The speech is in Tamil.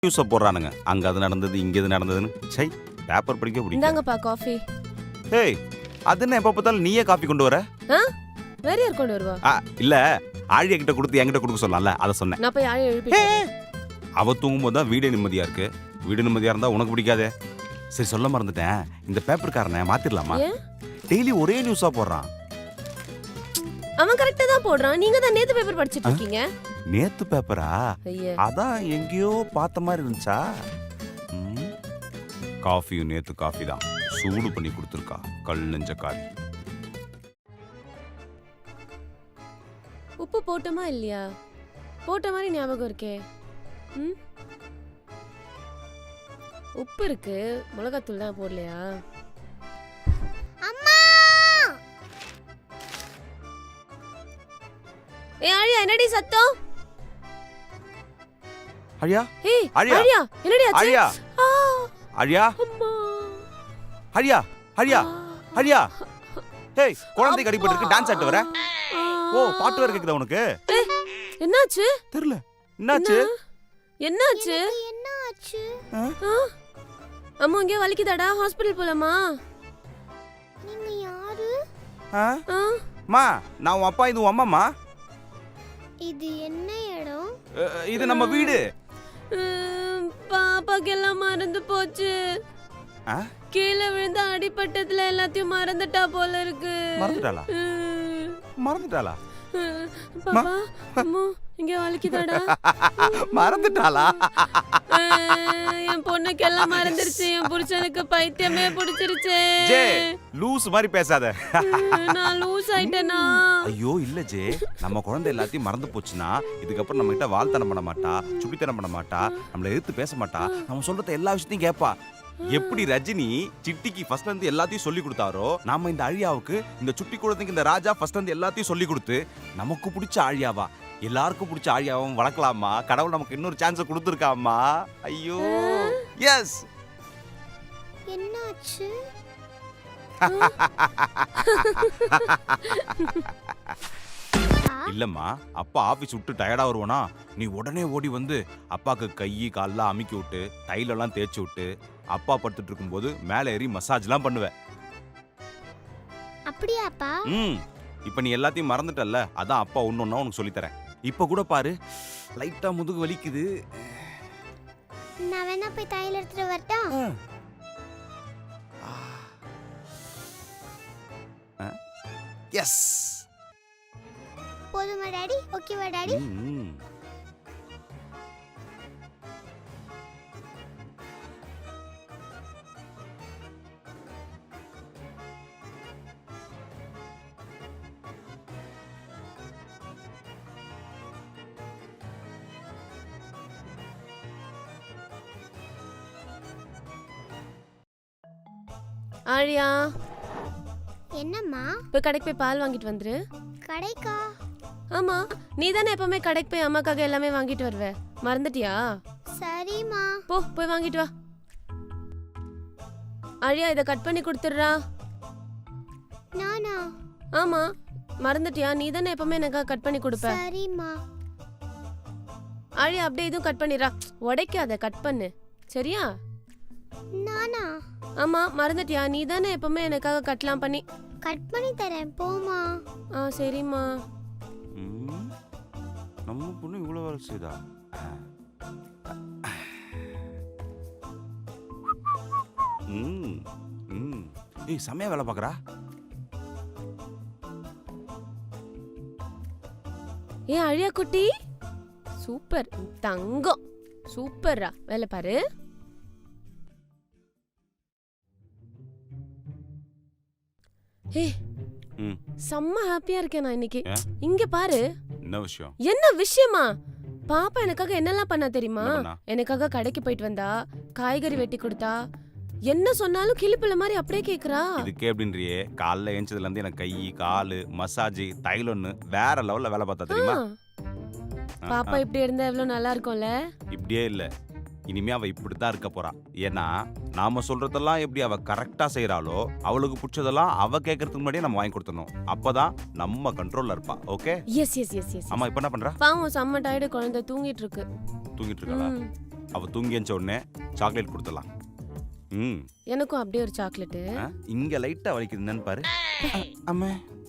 நியூஸை போடுறானுங்க. அங்க அது நடந்தது, இங்க இது நடந்ததுன்னு. சை, பேப்பர் படிக்க பிடிக்கும். இந்தாங்கப்பா காஃபி. ஏய், அது என்ன எப்ப பார்த்தாலும் நீயே காஃபி கொண்டு வர? வேற யார் கொண்டு வருவா? இல்ல, ஆழியா கிட்ட கொடுத்து என்கிட்ட கொடுக்க சொல்லலாம்ல, அதை சொன்னேன். நான் போய் ஆழியை எழுப்பிட்டேன். அவ தூங்கும்போது தான் வீடு நிம்மதியா இருக்கு. வீடு நிம்மதியா இருந்தா உனக்கு பிடிக்காதே. சரி, சொல்ல மறந்துட்டேன். இந்த பேப்பர்காரனை மாத்திரலாமா? டெய்லி ஒரே நியூஸா போடுறான். அவன் கரெக்ட்டா தான் போடுறான். நீங்க தான் நேத்து பேப்பர் படிச்சிட்டு இருக்கீங்க. நேத்து பேப்பரா? ஐயா, அதான் எங்கேயோ பார்த்த மாதிரி இருந்துச்சா? காஃபியும் நேத்து காஃபி தான். சூடு பண்ணி கொடுத்துருக்கா கல் நெஞ்ச காரி. உப்பு போட்டோமா இல்லையா? போட்ட மாதிரி ஞாபகம் இருக்கே. உப்பு இருக்கு, மிளகாத்தூள் தான் போடலையா? அம்மா! ஏய் ஆழியா, என்னடி சத்தம்? அழியா? ஏய் ஆழியா? ஆழியா, என்னடி ஆச்சு? அழியா? ஆ, அழியா? அம்மா. அழியா? அழியா? ஆ. அழியா? ஏய், குழந்தை கடிபட்டு இருக்கு, டான்ஸ் ஆட்டு வர? ஆ. ஓ, பாட்டு வேற கேக்குதா உனக்கு? என்னாச்சு? தெரியல. என்னாச்சு? என்னாச்சு? என்ன ஆச்சு? அம்மா இங்கே வலிக்குதாடா? ஹாஸ்பிடல் போலாமா? நீங்க யாரு? ஆ? மா, நான் உன் அப்பா, இது உன் அம்மாமா. இது என்ன இடம்? இது நம்ம வீடு. பாப்பாக்கு எல்லாம் மறந்து போச்சு. கீழே விழுந்த அடிப்பட்டத்துல எல்லாத்தையும் மறந்துட்டா போல இருக்கு. மறந்துட்டாளா? மறந்துட்டாளா? பாப்பா, அம்மா இங்க வலிக்குதாடா? மறந்துட்டாளா? என் பொண்ணுக்கு எல்லாம் மறந்துருச்சு. என் புருஷனுக்கு பைத்தியமே பிடிச்சிருச்சு. ஜே, லூஸ் மாதிரி பேசாத. நான் லூஸ் ஆயிட்டேனா? ஐயோ இல்ல ஜே, நம்ம குழந்தை எல்லாத்தையும் மறந்து போச்சுன்னா இதுக்கப்புறம் நம்ம கிட்ட வாழ்த்தனம் பண்ண மாட்டா, சுட்டித்தனம் பண்ண மாட்டா, நம்மள எதிர்த்து பேச மாட்டா, நம்ம சொல்றத எல்லா விஷயத்தையும் கேட்பா. எப்படி ரஜினி சிட்டிக்கு ஃபர்ஸ்ட் வந்து எல்லாத்தையும் சொல்லி கொடுத்தாரோ, நாம இந்த அழியாவுக்கு, இந்த சுட்டி குழந்தைக்கு இந்த ராஜா ஃபர்ஸ்ட் வந்து எல்லாத்தையும் சொல்லி கொடுத்து நமக்கு பிடிச்ச ஆழியாவா, எல்லாருக்கும் பிடிச்ச ஆழியாவும் வளர்க்கலாமா? கடவுள் நமக்கு இன்னொரு சான்ஸ் கொடுத்துருக்காமா. ஐயோ எஸ். என்னாச்சு? இல்லம்மா, அப்பா ஆபீஸ் விட்டு டயர்டா வருவானா, நீ உடனே ஓடி வந்து அப்பாக்கு கை கால்லாம் அமுக்கி விட்டு தைலெல்லாம் தேய்ச்சி விட்டு அப்பா படுத்துட்டு இருக்கும்போது மேலே ஏறி மசாஜ்லாம் பண்ணுவேன். அப்படியாப்பா? இப்போ நீ எல்லாத்தையும் மறந்துட்டல்ல, அதான் அப்பா ஒன்னொன்னா உனக்கு சொல்லித்தரேன். இப்போ கூட பாரு, லைட்டா முதுகு வலிக்குது. நான் வேணா போய் தையல் எடுத்துட்டு வரட்டா? எஸ். போதுமா டாடி? ஓகேவா டாடி? ஆழியா, என்னம்மா? போய் கடைக்கு போய் பால் வாங்கிட்டு வந்துரு. கடைக்கா? ஆமா, நீ தானே எப்பவுமே கடைக்கு போய் அம்மாக்காக எல்லாமே வாங்கிட்டு வருவ. மறந்துட்டியா? சரிம்மா. போய் வாங்கிட்டு வா. ஆழியா, இதை கட் பண்ணி கொடுத்துடுறா. நானா? ஆமா, மறந்துட்டியா? நீ தானே எப்பவுமே எனக்காக கட் பண்ணி கொடுப்ப. சரிம்மா. ஆழியா, அப்படியே இதுவும் கட் பண்ணிடுறா. உடைக்காத, கட் பண்ணு. சரியா? நானா? ஆமா, மறந்துட்டியா? நீ தானே எப்பவுமே எனக்காக கட்லாம் பண்ணி. கட் பண்ணி தரேன், போமா. சரிம்மா. நம்ம பொண்ணு இவ்வளவு வேலை செய்தா? ஏய், செமையா வேலை பார்க்கறா. ஏ அழியா குட்டி, சூப்பர் தங்கம், சூப்பர்ரா. வேலை பாரு. ஏ, செம்ம ஹாப்பியா இருக்கேன் நான் இன்னைக்கு. இங்க பாரு. என்ன விஷயம்? என்ன விஷயமா? பாப்பா எனக்காக என்னெல்லாம் பண்ணா தெரியுமா? எனக்காக கடைக்கு போயிட்டு வந்தா, காய்கறி வெட்டி கொடுத்தா, என்ன சொன்னாலும் கிளிப்புல மாதிரி அப்படியே கேக்குறா. இதுக்கே அப்படின்றியே, காலைல ஏஞ்சதுல இருந்து எனக்கு கை காலு மசாஜ் தைலம்னு வேற லெவல்ல வேலை பார்த்தா தெரியுமா? பாப்பா இப்படி இருந்தா எவ்வளவு நல்லா இருக்கும்ல. இப்படியே இல்ல, இனிமே அவ இப்படித்தான் இருக்க போறா. ஏன்னா நாம சொல்றதெல்லாம் எப்படி அவ கரெக்டா செய்யறாளோ, அவளுக்கு பிடிச்சதெல்லாம் அவ கேட்கறதுக்கு முன்னாடியே நம்ம வாங்கி கொடுத்துடணும். அப்பதான் நம்ம கண்ட்ரோல்ல இருப்பா. Okay? Yes yes yes yes. அம்மா இப்ப என்ன பண்றா? பாவம் செம்ம டயர்டு, குழந்தை தூங்கிட்டு இருக்கு. தூங்கிட்டு இருக்காளா? அவ தூங்கி எஞ்ச உடனே சாக்லேட் கொடுத்துடலாம். ம் எனக்கும் அப்படியே ஒரு சாக்லேட்டு. இங்க லைட்டா வலிக்குது என்னன்னு பாரு. அம்மா